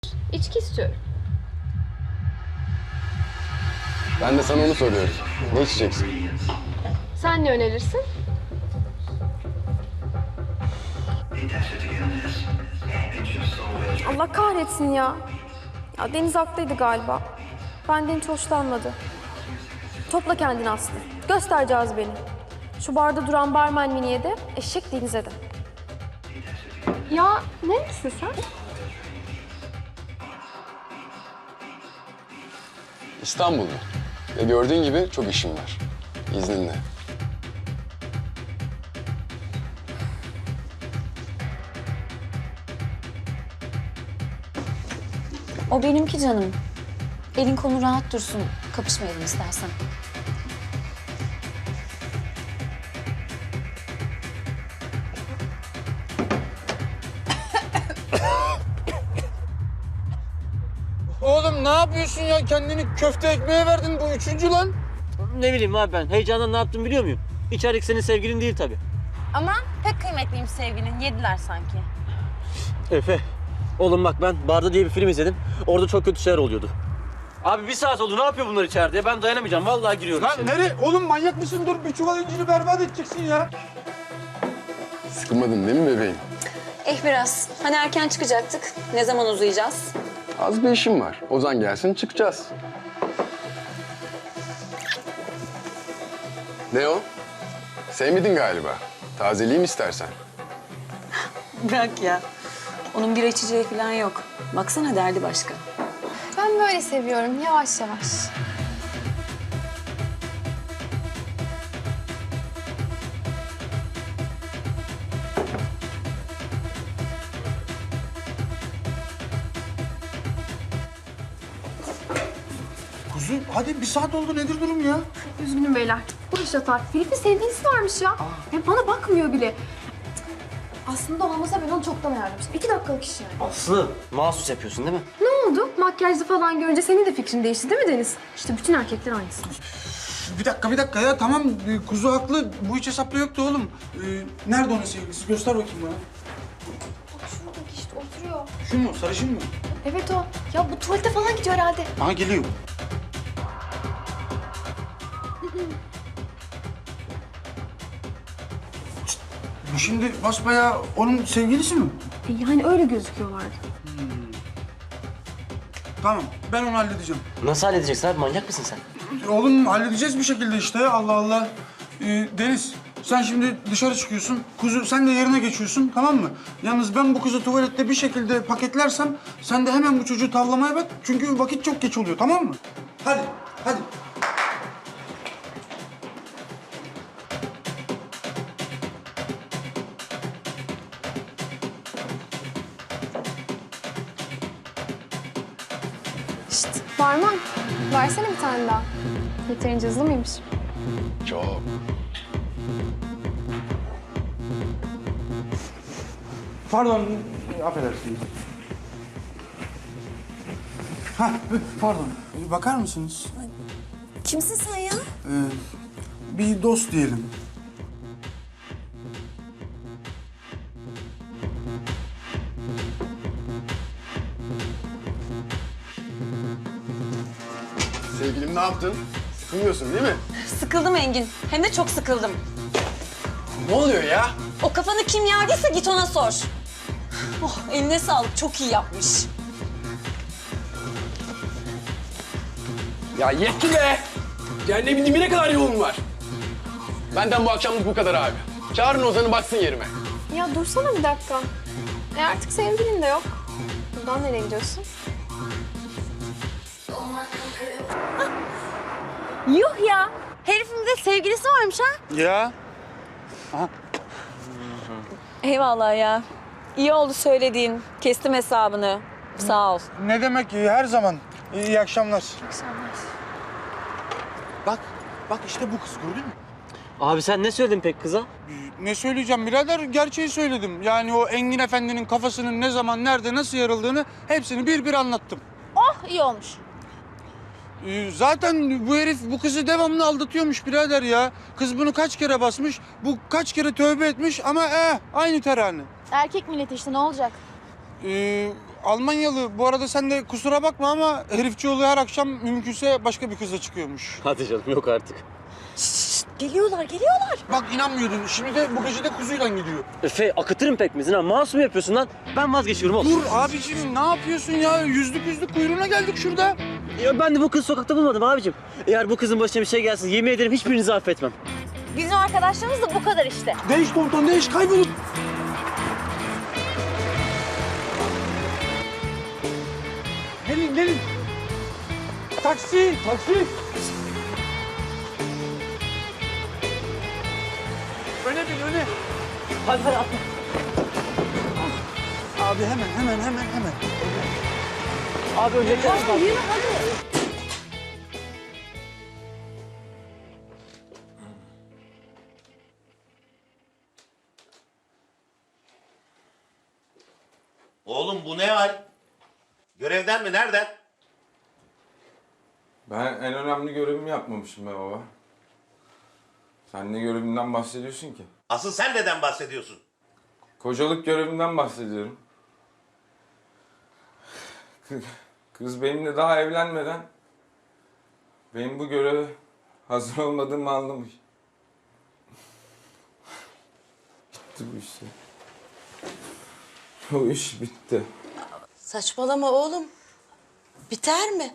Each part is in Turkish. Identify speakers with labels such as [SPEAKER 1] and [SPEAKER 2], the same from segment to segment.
[SPEAKER 1] İçki istiyorum.
[SPEAKER 2] Ben de sana onu soruyorum. Ne içeceksin?
[SPEAKER 1] Sen ne önerirsin?
[SPEAKER 3] Allah kahretsin ya. Ya Deniz haklıydı galiba. Benden hiç hoşlanmadı. Topla kendini Aslı. Göstereceğiz beni. Şu barda duran barmen Mini'ye de, eşek Deniz'e de.
[SPEAKER 1] Ya neresin sen?
[SPEAKER 2] İstanbul'da. Ve gördüğün gibi çok işim var. İzninle.
[SPEAKER 4] O benimki canım. Elin konu rahat dursun. Kapışmayalım istersen.
[SPEAKER 5] Oğlum ne yapıyorsun ya? Kendini köfte ekmeğe verdin. Bu üçüncü lan.
[SPEAKER 6] Ne bileyim abi ben. Heyecandan ne yaptım biliyor muyum? İçerideki senin sevgilin değil tabii.
[SPEAKER 7] Ama pek kıymetliymiş sevgilin. Yediler sanki.
[SPEAKER 6] Efe. Oğlum bak ben Barda diye bir film izledim. Orada çok kötü şeyler oluyordu. Abi bir saat oldu. Ne yapıyor bunlar içeride? Ben dayanamayacağım. Vallahi giriyorum.
[SPEAKER 5] Lan nereye? Oğlum manyak mısın? Dur bir çuval inciri berbat edeceksin ya.
[SPEAKER 2] Sıkılmadın değil mi bebeğim?
[SPEAKER 4] Biraz. Hani erken çıkacaktık. Ne zaman uzayacağız?
[SPEAKER 2] Az bir işim var. Ozan gelsin çıkacağız. Ne o? Sevmedin galiba. Tazeleyeyim istersen.
[SPEAKER 4] Bırak ya. Onun bir içeceği falan yok. Baksana derdi başka.
[SPEAKER 1] Ben böyle seviyorum yavaş yavaş.
[SPEAKER 5] Kuzu hadi bir saat oldu. Nedir durum ya?
[SPEAKER 1] Üzgünüm beyler. Bu iş yatar. Filip'in sevgilisi varmış ya. Hem bana bakmıyor bile. Aslında olmasa ben onu çoktan ayarlamıştım. 2 dakikalık iş yani.
[SPEAKER 6] Aslı. Mahsus yapıyorsun değil mi?
[SPEAKER 1] Ne oldu? Makyajlı falan görünce senin de fikrin değişti değil mi Deniz? İşte bütün erkekler aynısı.
[SPEAKER 5] Bir dakika ya. Tamam kuzu haklı. Bu hiç hesapta yoktu oğlum. Nerede onun sevgilisi? Göster bakayım bana.
[SPEAKER 1] Şuradaki işte oturuyor.
[SPEAKER 5] Şu mu? Sarışın mı?
[SPEAKER 1] Evet o. Ya bu tuvalete falan gidiyor herhalde.
[SPEAKER 5] Aha geliyor. Bu şimdi basbayağı onun sevgilisi mi?
[SPEAKER 1] Yani öyle gözüküyorlardı.
[SPEAKER 5] Tamam, ben onu halledeceğim.
[SPEAKER 6] Nasıl halledeceksin abi? Manyak mısın sen?
[SPEAKER 5] Oğlum halledeceğiz bir şekilde işte. Allah Allah. Deniz, sen şimdi dışarı çıkıyorsun. Kuzu, sen de yerine geçiyorsun, tamam mı? Yalnız ben bu kızı tuvalette bir şekilde paketlersem... ...sen de hemen bu çocuğu tavlamaya bak. Çünkü vakit çok geç oluyor, tamam mı? Hadi, hadi.
[SPEAKER 1] Şşt barman. Versene bir tane daha. Yeterince hızlı mıymış?
[SPEAKER 2] Çok.
[SPEAKER 5] Pardon, affedersiniz. Hah, pardon. Bakar mısınız?
[SPEAKER 4] Kimsin sen ya?
[SPEAKER 5] Bir dost diyelim.
[SPEAKER 2] Sevgilim ne yaptın? Sıkılmıyorsun değil mi?
[SPEAKER 4] Sıkıldım Engin. Hem de çok sıkıldım.
[SPEAKER 2] Ne oluyor ya?
[SPEAKER 4] O kafanı kim yardıysa git ona sor. Oh, eline sağlık. Çok iyi yapmış.
[SPEAKER 2] Ya yetti be! Cehennemin dibine kadar yolum var. Benden bu akşamlık bu kadar abi. Çağırın Ozan'ı baksın yerime.
[SPEAKER 1] Ya dursana bir dakika. Artık sevgilin de yok. Buradan nereye gidiyorsun?
[SPEAKER 7] Yuh ya. Herifin de sevgilisi varmış ha.
[SPEAKER 5] Ya.
[SPEAKER 4] Eyvallah ya. İyi oldu söylediğin. Kestim hesabını. Sağ ol.
[SPEAKER 5] Ne demek her zaman. İyi akşamlar. Bak işte bu kız gördün mü?
[SPEAKER 6] Abi sen ne söyledin pek kıza?
[SPEAKER 5] Ne söyleyeceğim birader? Gerçeği söyledim. Yani o Engin Efendi'nin kafasının ne zaman, nerede, nasıl yarıldığını hepsini bir bir anlattım.
[SPEAKER 7] Oh iyi olmuş.
[SPEAKER 5] Zaten bu herif bu kızı devamlı aldatıyormuş birader ya. Kız bunu kaç kere basmış, bu kaç kere tövbe etmiş ama aynı terane.
[SPEAKER 7] Erkek milleti işte ne olacak?
[SPEAKER 5] Almanyalı. Bu arada sen de kusura bakma ama herifçioğlu her akşam mümkünse başka bir kızla çıkıyormuş.
[SPEAKER 6] Hadi canım yok artık.
[SPEAKER 7] Geliyorlar.
[SPEAKER 5] Bak inanmıyordun. Şimdi de bu gece de kuzuyla gidiyor.
[SPEAKER 6] Efe akıtırım pekmezini ha. Masum yapıyorsun lan. Ben vazgeçiyorum oğlum.
[SPEAKER 5] Dur abicim ne yapıyorsun ya? Yüzlük kuyruğuna geldik şurada.
[SPEAKER 6] Ya ben de bu kızı sokakta bulmadım abicim. Eğer bu kızın başına bir şey gelsin yemin ederim hiçbirinizi affetmem.
[SPEAKER 7] Bizim arkadaşlarımız da bu kadar işte.
[SPEAKER 5] Değiş komutan değiş kaybolun. Gelin. Taksi. Öne bin öne.
[SPEAKER 6] Hadi atla.
[SPEAKER 5] Abi hemen.
[SPEAKER 6] Abi önce
[SPEAKER 8] Oğlum bu ne hal? Görevden mi? Nereden?
[SPEAKER 9] Ben en önemli görevimi yapmamışım be baba. Sen ne görevinden bahsediyorsun ki?
[SPEAKER 8] Asıl sen neden bahsediyorsun?
[SPEAKER 9] Kocalık görevinden bahsediyorum. Kız benimle daha evlenmeden benim bu göreve hazır olmadığımı anlamış. Bitti bu iş. O iş bitti.
[SPEAKER 10] Saçmalama oğlum. Biter mi?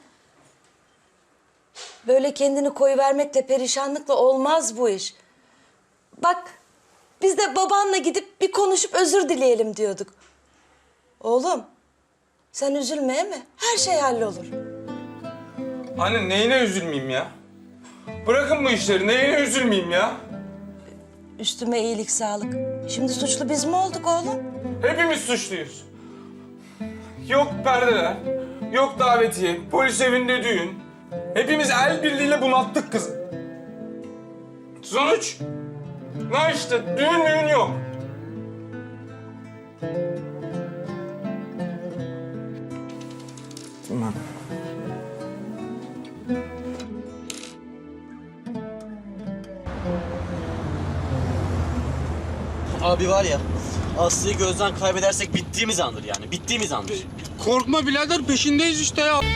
[SPEAKER 10] Böyle kendini koyuvermekle, perişanlıkla olmaz bu iş. Bak, biz de babanla gidip bir konuşup özür dileyelim diyorduk. Oğlum, sen üzülmeye mi? Her şey hallolur.
[SPEAKER 9] Anne neyine üzülmeyeyim ya? Bırakın bu işleri, neyine üzülmeyeyim ya?
[SPEAKER 10] Üstüme iyilik, sağlık. Şimdi suçlu biz mi olduk oğlum?
[SPEAKER 9] Hepimiz suçluyuz. Yok perdeler, yok davetiye, polis evinde düğün. Hepimiz el birliğiyle bunalttık kızı. Sonuç? Ne işte, düğün yok. Tamam.
[SPEAKER 6] Abi var ya Aslı'yı gözden kaybedersek bittiğimiz andır yani. Bittiğimiz andır.
[SPEAKER 5] Korkma birader peşindeyiz işte ya.